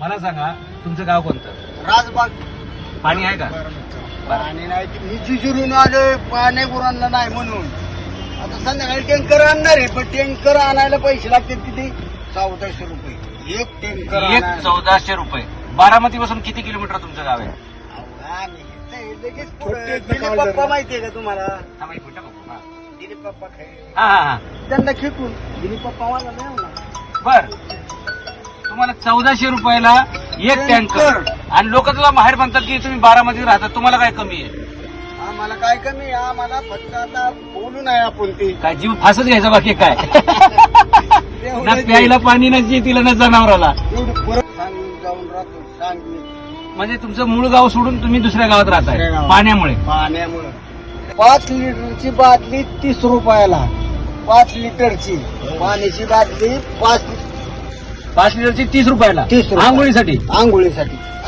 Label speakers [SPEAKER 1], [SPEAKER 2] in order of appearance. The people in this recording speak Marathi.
[SPEAKER 1] मला सांगा तुमचं गाव कोणतं?
[SPEAKER 2] राजबाग.
[SPEAKER 1] पाणी आहे का?
[SPEAKER 2] पाणी नाही की मी जिजुरून आलोय पाणी गुरांना नाही म्हणून. आता संध्याकाळी टँकर आणणार आहे, पण टँकर आणायला पैसे लागतील किती? 1400 रुपये एक टँकर.
[SPEAKER 1] एक 1400 रुपये. बारामती पासून किती किलोमीटर तुमचं गाव आहे?
[SPEAKER 2] लगेच दिलीप पप्पा माहितीये का तुम्हाला?
[SPEAKER 1] थांबा एक मिनिटं बघू. हा.
[SPEAKER 2] दिलीप पप्पा
[SPEAKER 1] हा हा हा.
[SPEAKER 2] त्यांना खेकून दिलीप पप्पा मला नाही होणार.
[SPEAKER 1] बर तुम्हाला 1400 रुपयाला एक टँकर आणि लोक तुला बाहेर म्हणतात की तुम्ही बारामतीत राहतात, तुम्हाला काय कमी आहे?
[SPEAKER 2] आम्हाला काय कमी आहे? आम्हाला फक्त आता बोलू नाही आपण ते
[SPEAKER 1] काय जीव फासच घ्यायचा बाकी काय? ना प्यायला पाणी ना तिला ना जनावराला.
[SPEAKER 2] एवढं परत सांगून जाऊन राहतो सांगून.
[SPEAKER 1] म्हणजे तुमचं मूळ गाव सोडून तुम्ही दुसऱ्या गावात राहताय
[SPEAKER 2] दुसऱ्या गावात.
[SPEAKER 1] पाण्यामुळे.
[SPEAKER 2] पाण्यामुळं 5 लिटरची बाटली 30 रुपयाला. 5 लिटरची पाण्याची बाटली 5
[SPEAKER 1] 5 लिटरची 30 रुपयाला
[SPEAKER 2] 30 रुपये.
[SPEAKER 1] आंघोळीसाठी.
[SPEAKER 2] आंघोळीसाठी